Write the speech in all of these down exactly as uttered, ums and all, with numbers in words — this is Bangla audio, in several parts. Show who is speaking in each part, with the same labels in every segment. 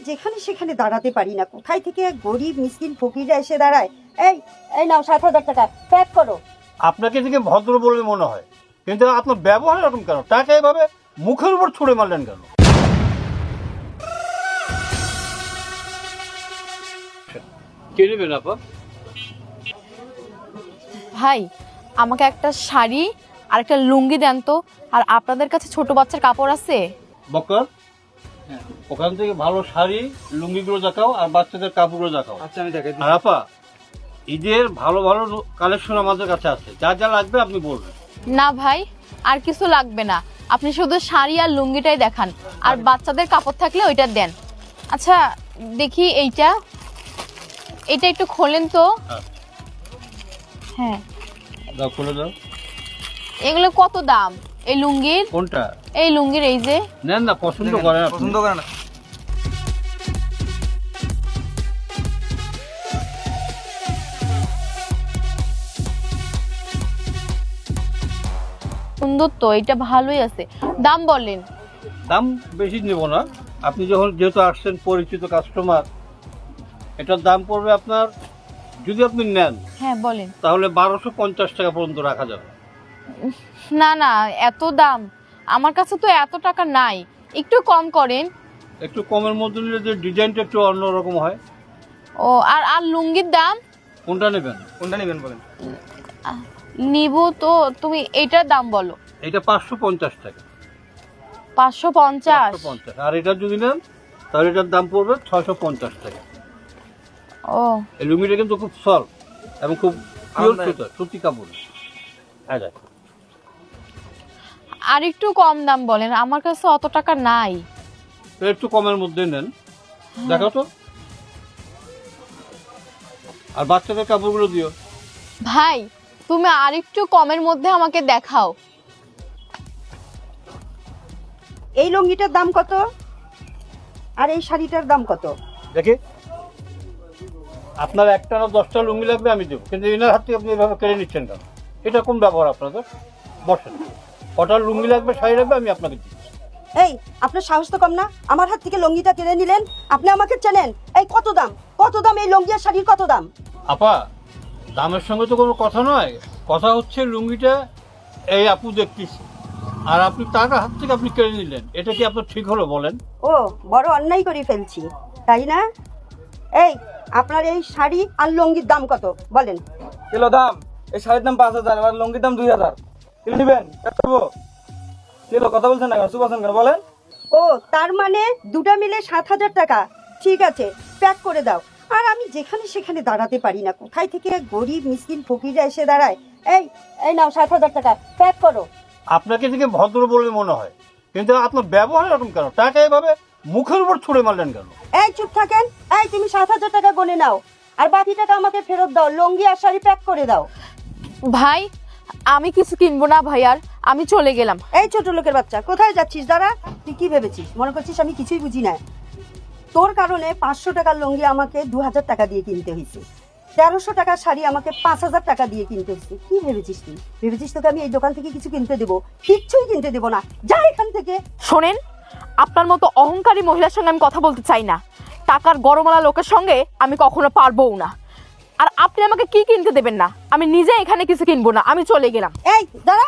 Speaker 1: যেখানে সেখানে দাঁড়াতে পারি না, কোথায় থেকে গরিব মিসকিন ফকিররা এসে দাঁড়ায়। এই এই নাও সাত হাজার টাকা প্যাক করো।
Speaker 2: আপনাকে থেকে ভদ্র বলে মনে হয়, কিন্তু আপনার ব্যবহার এরকম কেন? টাকা এভাবে মুখের উপর ছুঁড়ে মারলেন কেন? কে নেবেন আপা?
Speaker 3: ভাই আমাকে একটা শাড়ি আর একটা লুঙ্গি দেন তো। আর আপনাদের কাছে ছোট বাচ্চার কাপড় আছে?
Speaker 2: বক্কর, ওখান থেকে ভালো শাড়ি লুঙ্গিগুলো দেখাও আর বাচ্চাদের কাপড়গুলো দেখাও।
Speaker 4: আচ্ছা আমি দেখাই।
Speaker 2: আর আপা, ঈদের ভালো ভালো কালেকশন আমাদের কাছে আছে, যা যা লাগবে আপনি বলবেন।
Speaker 3: না ভাই, আর কিছু লাগবে না, আপনি শুধু শাড়ি আর লুঙ্গিটাই দেখান, আর বাচ্চাদের কাপড় থাকলে ওইটা দেন। আচ্ছা দেখি এইটা, এটা একটু খোলেন তো। হ্যাঁ
Speaker 2: দাও, খুলে দাও।
Speaker 3: এগুলো কত দাম এই লুঙ্গির?
Speaker 2: কোনটা?
Speaker 3: এই লুঙ্গির এই যে।
Speaker 2: নেন না, পছন্দ করেন?
Speaker 4: পছন্দ করে না।
Speaker 3: সুন্দর তো, এটা ভালোই আছে। দাম বলেন।
Speaker 2: দাম বেশি নেব না, আপনি যখন যেহেতু আসছেন পরিচিত কাস্টমার, এটার দাম পড়বে আপনার, যদি আপনি নেন
Speaker 3: হ্যাঁ বলেন।
Speaker 2: তাহলে বারোশো পঞ্চাশ টাকা পর্যন্ত রাখা যাবে।
Speaker 3: না না, এত দাম আমার কাছে তো এত টাকা নাই, একটু কম করেন।
Speaker 2: একটু কমের মধ্যে নিলে যে ডিজাইনটা একটু অন্যরকম হয়।
Speaker 3: ও আর আর লুঙ্গির দাম?
Speaker 2: কোনটা নেবেন?
Speaker 4: কোনটা নেবেন বলেন।
Speaker 3: নিব তো, তুমি এইটার দাম বলো।
Speaker 2: এটা পাঁচশো পঞ্চাশ টাকা।
Speaker 3: পাঁচশো পঞ্চাশ?
Speaker 2: পঞ্চাশ। আর এটা যদি নেন তাহলে এটার দাম পড়বে ছয়শো পঞ্চাশ টাকা।
Speaker 3: ও
Speaker 2: এই লুঙ্গিটা কিন্তু খুব সফট এবং খুব পিওর সুতা, সুতি কাপড়। হ্যাঁ,
Speaker 3: আর একটু কম দাম বলেন, আমার কাছে অত টাকা নাই।
Speaker 2: একটু কমের মধ্যে নেন, দেখাও তো। আর বাচ্চাদের কাপড়গুলো দিও।
Speaker 3: ভাই তুমি আর একটু কমের মধ্যে আমাকে দেখাও।
Speaker 1: এই লুঙ্গিটার দাম কত আর এই শাড়িটার দাম কত?
Speaker 2: দেখি, আপনার একটা না দশটা লুঙ্গি লাগবে আমি দেবো, কিন্তু এনার হাত থেকে আপনি এভাবে কেড়ে নিচ্ছেন কেন? এটা কোন ব্যবহার আপনাদের? বসেন, কটা লুঙ্গি লাগবে শাড়ি লাগবে আমি আপনাকে দিচ্ছি।
Speaker 1: এই আপনার সাহস তো কম না, আমার হাত থেকে লুঙ্গিটা কেড়ে নিলেন। আপনি আমাকে চেনেন? এই কত দাম, কত দাম এই লুঙ্গি আর শাড়ির কত দাম?
Speaker 2: আপা, দামের সঙ্গে তো কোনো কথা নয়, কথা হচ্ছে লুঙ্গিটা এই আপু দেখতেছি, আর আপনি তার হাত থেকে আপনি কেড়ে নিলেন, এটা কি আপনার ঠিক হলো বলেন?
Speaker 1: ও বড় অন্যায় করে ফেলছি, তাই না? এই আপনার এই শাড়ি আর লুঙ্গির দাম কত বলেন?
Speaker 4: কিলো দাম এই শাড়ির দাম পাঁচ হাজার আর লুঙ্গির দাম দুই হাজার। কিলো নেবেন? কিলো কথা বলছেন না, চুপ আছেন কেন বলেন?
Speaker 1: ও তার মানে দুটা মিলে সাত হাজার টাকা। ঠিক আছে, প্যাক করে দাও। আর আমি যেখানে সেখানে দাঁড়াতে পারি না, কোথায় থেকে গরিব মিসকিন ফকিররা এসে দাঁড়ায়। এই এই নাও সাত হাজার টাকা প্যাক করো।
Speaker 2: আপনাকে থেকে ভদ্র বলে মনে হয়, কিন্তু আপনার ব্যবহার এরকম কেন? টাকা এভাবে মুখের উপর ছুঁড়ে মারলেন কেন?
Speaker 1: এই চুপ থাকেন। এই তুমি সাত হাজার টাকা গনে নাও আর বাকি টাকা আমাকে ফেরত দাও। লুঙ্গি আর শাড়ি প্যাক করে দাও।
Speaker 3: ভাই আমি কিছু কিনবো না ভাই, আর আমি চলে গেলাম।
Speaker 1: এই ছোট লোকের বাচ্চা, কোথায় যাচ্ছিস? দাঁড়া, তুই কি ভেবেছিস? মনে করছিস আমি কিছুই বুঝি না? তোর কারণে পাঁচশো টাকার লুঙ্গি আমাকে দু হাজার টাকা দিয়ে কিনতে হয়েছে, তেরোশো টাকার শাড়ি আমাকে পাঁচ হাজার টাকা দিয়ে কিনতে হয়েছে। কি ভেবেছিস তুই? ভেবেছিস তোকে আমি এই দোকান থেকে কিছু কিনতে দেবো? কিচ্ছুই কিনতে দেবো না, যা এখান থেকে।
Speaker 3: শোনেন, আপনার মতো অহংকারী মহিলার সঙ্গে আমি কথা বলতে চাই না। টাকার গরমওয়ালা লোকের সঙ্গে আমি কখনো পারবও না। আর আপনি আমাকে কি কিনতে দেবেন না? আমি নিজে এখানে কিছু কিনবো না, আমি চলে গেলাম।
Speaker 1: এই দাঁড়া।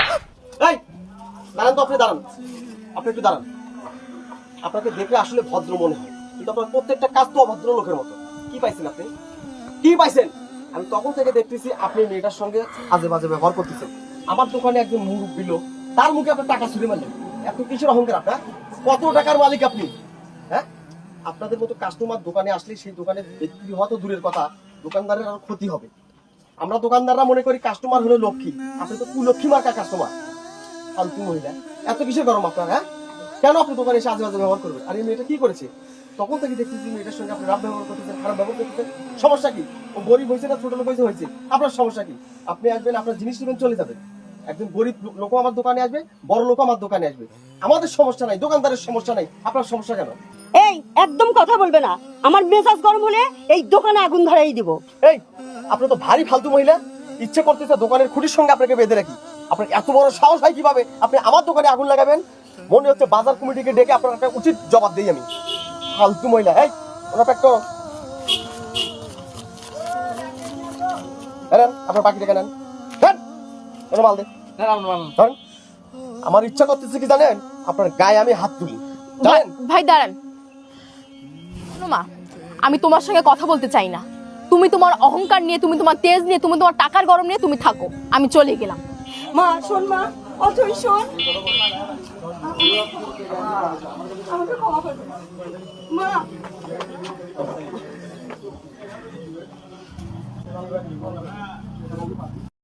Speaker 5: এই দাঁড়ান তো, আপনি দাঁড়ান, আপনি একটু দাঁড়ান। আপনাকে দেখলে আসলে ভদ্র মনে হয়, কিন্তু আপনার প্রত্যেকটা কাজ তো অভদ্র লোকের মতো। কি পাইছেন আপনি? কি পাইছেন? আমি তখন থেকে দেখতেছি আপনি মেয়েটার সঙ্গে আজে বাজে ব্যবহার করতেছেন। আমার দোকানে একজন মুরব্বি লোক, তার মুখে আপনার টাকা ছুড়ে মারলেন। এত কিসের অহংকার আপনার? কত টাকার মালিক আপনি? হ্যাঁ, আপনাদের মতো কাস্টমার দোকানে আসলে সেই দোকানে বিক্রি হওয়া তো দূরের কথা, দোকানদারের আরো ক্ষতি হবে। আমরা দোকানদাররা মনে করি কাস্টমার হলো লক্ষ্মী, আপনি তো কুলক্ষ্মী মার্কা কাস্টমার। ফালতু মহিলা, এত কিসের গরম আপনার? হ্যাঁ, কেন আপনি দোকানে এসে আজে বাজে ব্যবহার করবেন? আর এই মেয়েটা কি করেছে? তখন থেকে দেখতেছি মেয়েটার সঙ্গে আপনি রাত ব্যবহার করতেছেন, খারাপ ব্যবহার করতেছেন। সমস্যা কি? ও গরিব হয়েছে না ছোট লোক হয়েছে হয়েছে আপনার সমস্যা কি? আপনি আসবেন, আপনার জিনিস নেবেন, চলে যাবেন। একজন গরিব লোকও আমার দোকানে আসবে, বড় লোকও আমার দোকানে আসবে। আমাদের সমস্যা নাই, দোকানদারের সমস্যা নাই, আপনার সমস্যা কেন?
Speaker 1: এই একদম কথা বলবে না, আমার মেজাজ গরম হলে এই দোকানে আগুন ধরাই দিব।
Speaker 5: এই আপনি তো ভারী ফালতু মহিলা, ইচ্ছে করতেছে দোকানের খুঁটির সঙ্গে আপনাকে বেঁধে রাখি। আপনার এত বড় সাহস হয় কিভাবে আপনি আমার দোকানে আগুন লাগাবেন? মনে হচ্ছে বাজার কমিটিকে ডেকে আপনার একটা উচিত জবাব দিই আমি। ফালতু মহিলা। এই ওরা প্যাক করো। নেন আপনার বাকি টাকা নেন। নেন ওরা মাল দে। ধরেন। আমার ইচ্ছা করতেছে কি জানেন, আপনার গায়ে আমি হাত তুলি জানেন।
Speaker 3: ভাই দাঁড়ান। শোনো মা, আমি তোমার সঙ্গে কথা বলতে চাই না। তুমি তোমার অহংকার নিয়ে, তুমি তোমার তেজ নিয়ে, তুমি তোমার টাকার গরম নিয়ে তুমি থাকো, আমি চলে গেলাম।
Speaker 1: মা শোন মা, অথই শোন, আমাকে ক্ষমা করে দে। মা